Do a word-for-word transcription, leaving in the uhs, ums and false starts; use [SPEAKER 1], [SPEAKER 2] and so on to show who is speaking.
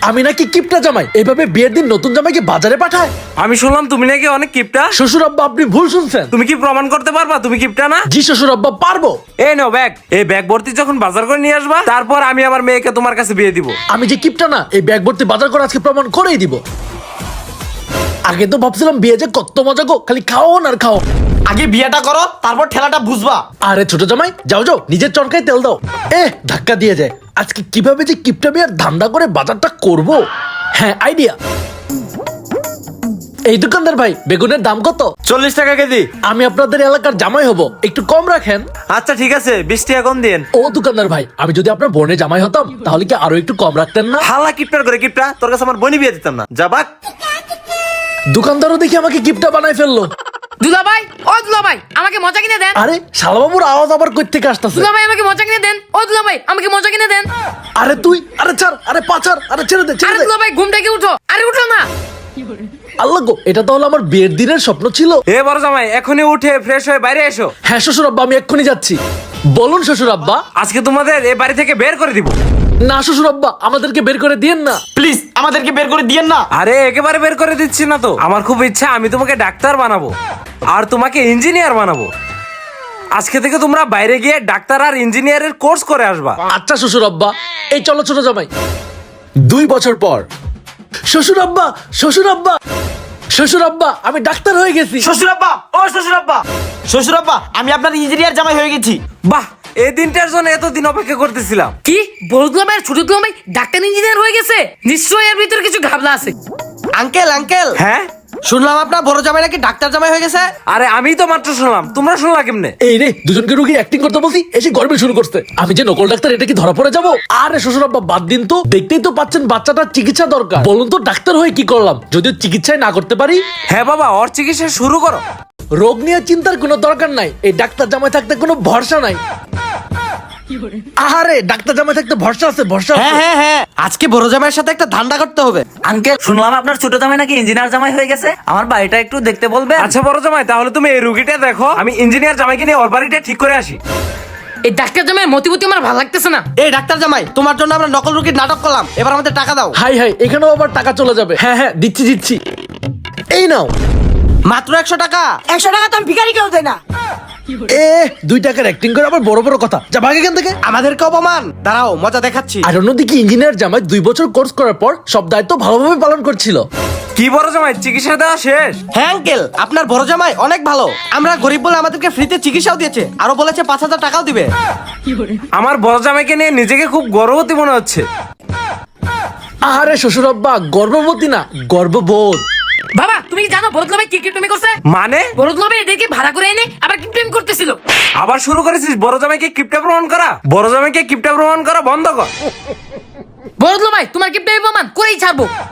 [SPEAKER 1] আমি নাকি কিপটা জামাই, এভাবে বিয়ের দিন নতুন জামাইকে বাজারে পাঠায়?
[SPEAKER 2] আমি শুনলাম তুমি নাকি অনেক কিপটা।
[SPEAKER 1] শ্বশুর আব্বা আপনি ভুল শুনছেন।
[SPEAKER 2] তুমি কি প্রমাণ করতে পারবা তুমি কিপটা না?
[SPEAKER 1] জি শ্বশুর আব্বা পারবো।
[SPEAKER 2] এই নাও ব্যাগ, এই ব্যাগ ভর্তি যখন বাজার করে নিয়ে আসবা, তারপর আমি আমার মেয়েকে তোমার কাছে বিয়ে দিব।
[SPEAKER 1] আমি যে কিপটা না, এই ব্যাগ ভর্তি বাজার করে আজকে প্রমাণ করেই দিব। আগে তো ভাবছিলাম বিয়ে যে কত মজা গো, খালি খাও আর খাও।
[SPEAKER 3] আগে বিয়েটা করো, তারপর ঠেলাটা বুঝবা।
[SPEAKER 1] আরে ছোট জামাই যাও যাও, নিজের চরকায় তেল দাও। এ ধাক্কা দিয়ে যায়। আজকে কিভাবে যে কিপটা বিয়ার ধান্দা করে বাজারটা করব। হ্যাঁ আইডিয়া। এই দোকানদার ভাই, বেগুনের দাম কত?
[SPEAKER 2] চল্লিশ টাকা কেজি।
[SPEAKER 1] আমি আপনাদের এলাকার জামাই হব, একটু কম রাখেন।
[SPEAKER 2] আচ্ছা ঠিক আছে, বিশ টাকা কম দিন।
[SPEAKER 1] ও দোকানদার ভাই, আমি যদি আপনার বোনের জামাই হতাম তাহলে কি আরো একটু কম রাখতেন না?
[SPEAKER 2] হালা কিপটার করে কিপটা, তোর কাছে আমার বনি বিয়ে দিতাম না, যাবাক।
[SPEAKER 1] দোকানদারও দেখি আমাকে কিপটা বানাই ফেললো।
[SPEAKER 4] দুলাভাই, ও দুলাভাই, আমাকে মজা কিনে দেন।
[SPEAKER 1] আরে শালাবাবুর আওয়াজ আবার কই থেকে আসতেছে?
[SPEAKER 4] দুলাভাই, আমাকে মজা কিনে দেন। ও দুলাভাই, আমাকে মজা কিনে দেন।
[SPEAKER 1] আরে তুই, আরে ছাড়, আরে পাচার, আরে ছেড়ে দে, ছেড়ে
[SPEAKER 4] আরে
[SPEAKER 1] দে।
[SPEAKER 4] দুলাভাই, ঘুম থেকে উঠো। আরে উঠো না।
[SPEAKER 1] আল্লাহ গো, এটা তাহলে আমার বিয়ের দিনের স্বপ্ন ছিল।
[SPEAKER 2] এ বড় জামাই, এখনই উঠে ফ্রেশ হয়ে বাইরে এসো।
[SPEAKER 1] হ্যাঁ শ্বশুর আব্বা, আমি এক্ষুনি যাচ্ছি। বলুন শ্বশুর আব্বা।
[SPEAKER 2] আজকে তোমাদের এ বাড়ি থেকে বের করে দিব।
[SPEAKER 1] না শ্বশুর আব্বা, আমাদেরকে বের করে দিয়েন না।
[SPEAKER 3] প্লিজ আমাদেরকে বের করে দিয়েন না।
[SPEAKER 2] আরে একেবারে বের করে দিচ্ছি না তো, আমার খুব ইচ্ছা আমি তোমাকে ডাক্তার বানাবো আর তোমাকে ইঞ্জিনিয়ার বানাবো। আজকে থেকে তোমরা বাইরে গিয়ে ডাক্তার আর ইঞ্জিনিয়ারের কোর্স করে আসবা।
[SPEAKER 1] আচ্ছা শ্বশুর আব্বা, এই চলো ছোট জামাই। দুই বছর পর। শ্বশুর আব্বা, শ্বশুর আব্বা, শ্বশুর আব্বা, আমি ডাক্তার হয়ে গেছি।
[SPEAKER 3] শ্বশুর আব্বা, ও শ্বশুর আব্বা, শ্বশুর আব্বা, আমি আপনার ইঞ্জিনিয়ার জামাই হয়ে গেছি।
[SPEAKER 2] বাহ, এই দিনটার জন্য এতদিন অপেক্ষা করতেছিলাম।
[SPEAKER 4] কি বড় দুলাভাই আর ছোট দুলাভাই ডাক্তার ইঞ্জিনিয়ার হয়ে গেছে? নিশ্চয়ই এর ভিতরে কিছু ঘাবলা আছে।
[SPEAKER 3] আঙ্কেল আঙ্কেল,
[SPEAKER 2] হ্যাঁ
[SPEAKER 3] শুনলাম আপনার বড় জামাই নাকি ডাক্তার জামাই হয়ে গেছে।
[SPEAKER 2] আরে আমি তো মাত্র শুনলাম, তোমরা শুনলা কেমনে?
[SPEAKER 1] এই রে, দুজনকে রুগী অ্যাক্টিং করতে বলছি, এসে গর্বে শুরু করতে। আমি যে নকল ডাক্তার, এটা কি ধরা পড়ে যাবো? আরে শ্বশুর আব্বা বাদ দিন তো, দেখতেই তো পাচ্ছেন বাচ্চাটার চিকিৎসা দরকার। বলুন তো ডাক্তার হয়ে কি করলাম, যদিও চিকিৎসায় না করতে পারি।
[SPEAKER 2] হ্যাঁ বাবা, ওর চিকিৎসা শুরু করো।
[SPEAKER 1] রোগ নিয়ে চিন্তার কোনো দরকার নাই, এই ডাক্তার জামাই থাকতে কোনো ভরসা নাই। আরে ডাক্তার জামাই থাকতে ভরসা আছে, ভরসা
[SPEAKER 3] হ্যাঁ
[SPEAKER 1] আছে।
[SPEAKER 3] হ্যাঁ হ্যাঁ, আজকে বড় জামাইয়ের সাথে একটা ধান্দা করতে হবে।
[SPEAKER 5] আঙ্কেল, শুনলাম আপনার ছোট জামাই নাকি ইঞ্জিনিয়ার জামাই হয়ে গেছে। আমার বাড়িটা একটু দেখতে বলবে?
[SPEAKER 2] আচ্ছা বড় জামাই, তাহলে তুমি এই রুগীটা দেখো, আমি ইঞ্জিনিয়ার জামাইকে নিয়ে ওর বাড়িটা ঠিক করে আসি।
[SPEAKER 4] এই ডাক্তার জামাই মতিবতি আমার ভালো লাগতেছে না।
[SPEAKER 3] এই ডাক্তার জামাই, তোমার জন্য আমরা নকল রুগীর নাটক করলাম, এবার আমাদের টাকা দাও।
[SPEAKER 1] হাই হাই, এখানেও আবার টাকা চলে যাবে। হ্যাঁ হ্যাঁ দিচ্ছি দিচ্ছি, এই নাও।
[SPEAKER 3] মাত্র একশো টাকা।
[SPEAKER 6] একশো টাকা তো আমি ভিখারি কেউ দেয় না।
[SPEAKER 1] এ দুই টাকার অ্যাক্টিং করে আবার বড় বড় কথা, যা ভাগ এখান থেকে।
[SPEAKER 3] আমাদেরকে অপমান, দাঁড়াও মজা দেখাচ্ছি।
[SPEAKER 1] আর অন্যদিকে ইঞ্জিনিয়ার জামাই দুই বছর কোর্স করার পর সব দায়িত্ব ভালোভাবে পালন করছিল।
[SPEAKER 2] কি বড় জামাই, চিকিৎসা দেওয়া শেষ?
[SPEAKER 3] হ্যাঁ আঙ্কেল, আপনার বড় জামাই অনেক ভালো। আমরা গরিব বলে আমাদেরকে ফ্রিতে চিকিৎসাও দিয়েছে, আরো বলেছে পাঁচ হাজার টাকাও দিবে।
[SPEAKER 2] আমার বড় জামাইকে নিয়ে নিজেকে খুব গর্ববতী মনে হচ্ছে।
[SPEAKER 1] আরে শ্বশুর আব্বা, গর্ভবতী না, গর্ববোধ।
[SPEAKER 4] বাবা, তুমি কি জানো বড় দুলাভাই কি কিপটামি করছে?
[SPEAKER 2] মানে
[SPEAKER 4] বড় দুলাভাই এদেরকে ভাড়া করে এনে আবার কিপটামি করতেছিল।
[SPEAKER 2] আবার শুরু করেছিস বড় জামাইকে কিপটা প্রমাণ করা? বড় জামাইকে কিপটা প্রমাণ করা বন্ধ কর।
[SPEAKER 4] বড় দুলাভাই, তোমার কিপটামি প্রমাণ করেই ছাড়বো।